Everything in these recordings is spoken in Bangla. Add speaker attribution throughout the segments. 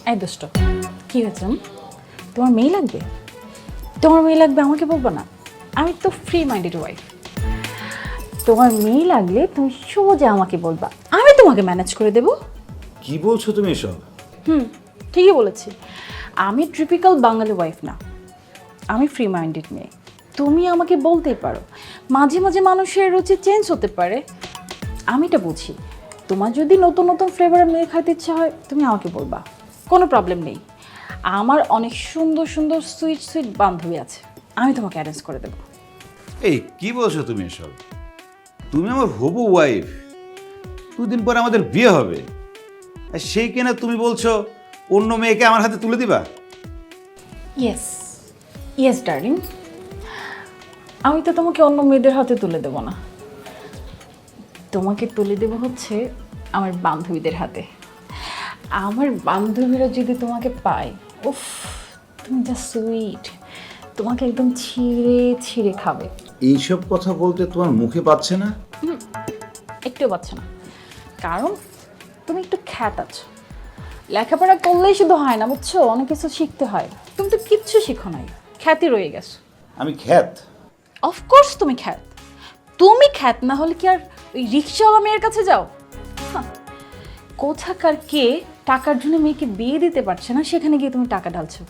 Speaker 1: এই দোষ্ট, কি হয়েছে? তোমার মেয়ে লাগবে? তোমার মেয়ে লাগবে আমাকে বলবো না? আমি তো ফ্রি মাইন্ডেড ওয়াইফ। তোমার মেয়ে লাগলে তুমি সোজা আমাকে বলবা, আমি তোমাকে ম্যানেজ করে দেবো।
Speaker 2: কি বলছো তুমি এসব?
Speaker 1: ঠিকই বলেছি। আমি ট্রিপিক্যাল বাঙালি ওয়াইফ না, আমি ফ্রি মাইন্ডেড মেয়ে। তুমি আমাকে বলতেই পারো, মাঝে মাঝে মানুষের রুচি চেঞ্জ হতে পারে, আমি এটা বুঝি। তোমার যদি নতুন নতুন ফ্লেভারের মেয়ে খাইতে ইচ্ছা হয় তুমি আমাকে বলবা, কোনো প্রবলেম নেই। আমার অনেক সুন্দর সুন্দর সুইট সুইট বান্ধবী আছে, আমি তোমাকে অ্যারেঞ্জ করে দেবো।
Speaker 2: এই কি বলছো তুমি এসব? তুমি আমার হবু ওয়াইফ, 2 দিন পরে আমাদের বিয়ে হবে, আর সেই কিনা তুমি বলছো অন্য মেয়েকে আমার হাতে তুলে দিবা?
Speaker 1: ইয়েস ইয়েস ডার্লিং, আমি তো তোমাকে অন্য মেয়েদের হাতে তুলে দেবো না, তোমাকে তুলে দেবো হচ্ছে আমার বান্ধবীদের হাতে। আমার বান্ধবীরা যদি তোমাকে পায়, উফ, তুমি যা সুইট, তোমাকে একদম ছিঁড়ে ছিঁড়ে খাবে।
Speaker 2: এইসব কথা বলতে তোমার মুখে পাচ্ছে না?
Speaker 1: একটু পাচ্ছে না, কারণ তুমি একটু খ্যাত আছো। লেখাপড়া করলেই শুধু হয় না, বুঝছো, অনেক কিছু শিখতে হয়। তুমি তো কিচ্ছু শিখো নাই, খ্যাতি রয়ে গেছো।
Speaker 2: আমি খ্যাত?
Speaker 1: অফকোর্স তুমি খ্যাত। তুমি খ্যাত না হলে কি আর ওই রিক্সাওয়ালা মেয়ের কাছে যাও? কোথাকার কে টাকার জন্য মেয়েকে বিয়ে দিতে পারছে না, সেখানে গিয়ে তুমি টাকা ঢালছো।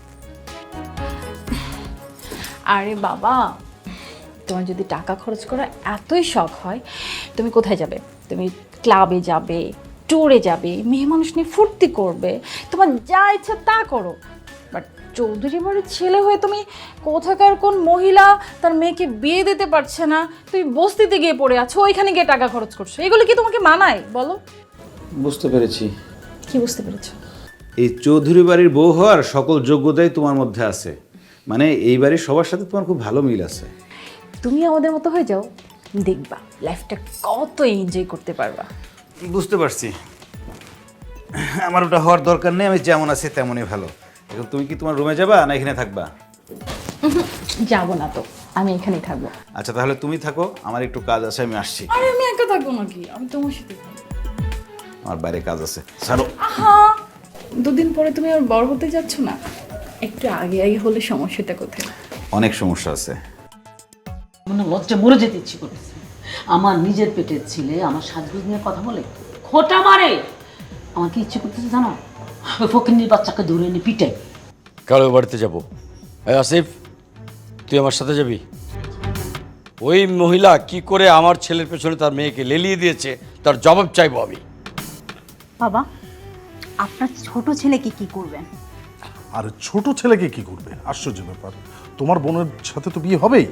Speaker 1: আরে বাবা, তোমার যদি টাকা খরচ করা এতই শখ হয়, তুমি কোথায় যাবে? তুমি ক্লাবে যাবে, ট্যুরে যাবে, মেয়ে মানুষ নিয়ে ফুর্তি করবে, তোমার যা ইচ্ছা তা করো। বাট চৌধুরী বাড়ির ছেলে হয়ে তুমি কোথাকার কোন মহিলা তার মেয়েকে বিয়ে দিতে পারছে না, তুমি বস্তিতে গিয়ে পড়ে আছো, ওইখানে গিয়ে টাকা খরচ করছো, এগুলো কি তোমাকে মানায় বলো?
Speaker 2: বুঝতে পেরেছি।
Speaker 1: কি বুঝতে পেরেছো?
Speaker 2: এই চৌধুরী বাড়ির বউ হওয়ার সকল যোগ্যতাই তোমার মধ্যে আছে, মানে এই বাড়ির সবার সাথে তোমার খুব ভালো মিল আছে।
Speaker 1: তুমি আমাদের মতো হয়ে যাও, দেখবা লাইফটা কত এনজয় করতে পারবা।
Speaker 2: বুঝতে পারছি, আমার ওটা হওয়ার দরকার নেই, আমি যেমন আছি তেমনই ভালো। এখন তুমি কি তোমার রুমে যাবা না এখানে থাকবা?
Speaker 1: যাবো না তো, আমি এখানেই থাকবো।
Speaker 2: আচ্ছা তাহলে তুমি থাকো, আমার একটু কাজ আছে, আমি আসছি।
Speaker 1: আরে আমি একা থাকবো নাকি, আমি তোমার সাথে থাকবো।
Speaker 2: আমার বাইরে কাজ আছে, ছাড়ো।
Speaker 1: আহা, 2 দিন পরে তুমি আর বড় হতে যাচ্ছ না? একটু আগে আগে হলে সমস্যাটা কোথায়?
Speaker 2: অনেক সমস্যা আছে।
Speaker 3: মনে লজ্জা মরে যেতে ইচ্ছে করেছে। আমার নিজের পেটের ছেলে আমার সাজগোজ নিয়ে কথা বলে খোঁটা মারে। আমার কি ইচ্ছে করতেছে জানো? ওই ফকিন্নির বাচ্চাকে ধরে এনে পিটাই।
Speaker 4: কারো বাড়িতে যাবো। এই আসিফ, তুই আমার সাথে যাবি? ওই মহিলা কি করে আমার ছেলের পেছনে তার মেয়েকে লেলিয়ে দিয়েছে তার জবাব চাইবো আমি।
Speaker 5: বাবা, আপনার ছোট ছেলেকে কি করবেন?
Speaker 6: আর ছোট ছেলেকে কি করবে? আশ্চর্য ব্যাপার, তোমার বোনের সাথে তো বিয়ে হবেই।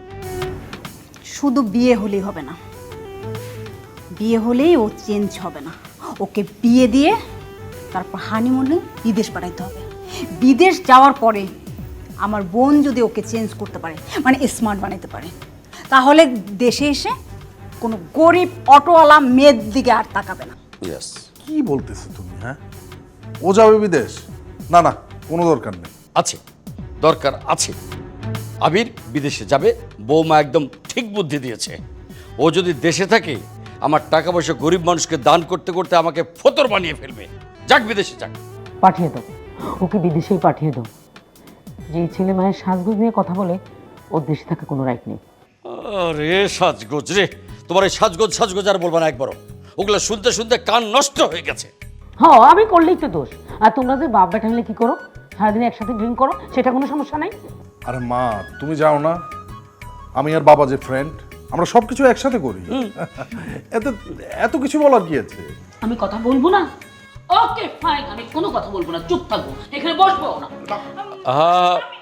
Speaker 5: শুধু বিয়ে হলেই হবে না, বিয়ে হলেই ও চেঞ্জ হবে না। ওকে বিয়ে দিয়ে তারপর হানিমুনে বিদেশ পাঠাইতে হবে। বিদেশ যাওয়ার পরে আমার বোন যদি ওকে চেঞ্জ করতে পারে, মানে স্মার্ট বানাইতে পারে, তাহলে দেশে এসে কোনো গরিব অটোওয়ালা মেয়ের দিকে আর তাকাবে না।
Speaker 4: ইয়েস।
Speaker 6: কি বলতেছো তুমি? হ্যাঁ, ও যাবে বিদেশ? না না, কোনো দরকার নেই।
Speaker 4: আছে, দরকার আছে। আবির বিদেশে যাবে, বৌমা একদম ঠিক বুদ্ধি দিয়েছে। ও যদি দেশে থাকে আমার টাকা পয়সা গরিব মানুষকে দান করতে করতে আমাকে ফতর বানিয়ে ফেলবে। যাক বিদেশে যাক।
Speaker 3: পাঠিয়ে দাও, ওকে বিদেশেই পাঠিয়ে দাও। যে ছেলে মায়ের সাজগোজ নিয়ে কথা বলে ওর দেশে থাকা কোনো রাইট নেই।
Speaker 4: আরে সাজগোজ রে, তোমার এই সাজগোজ সাজগোজ আর বলবা না একবারও। ওগুলো শুনতে শুনতে কান নষ্ট হয়ে গেছে।
Speaker 3: হ্যাঁ, আমি করলেই তো দোষ। আর তোমরা যে বাপ বেটা মিলে কি করো, সারাদিন একসাথে ড্রিঙ্ক করো, সেটা কোনো সমস্যা নাই?
Speaker 6: আরে মা, তুমি যাও না, আমি আর বাবা যে ফ্রেন্ড, আমরা সব কিছু একসাথে করি। এত এত কিছু বলার কি আছে?
Speaker 3: আমি কথা বলবো না? ওকে ফাইন, আমি কোনো কথা বলবো না, চুপ থাকবো, এখানে বসবো না।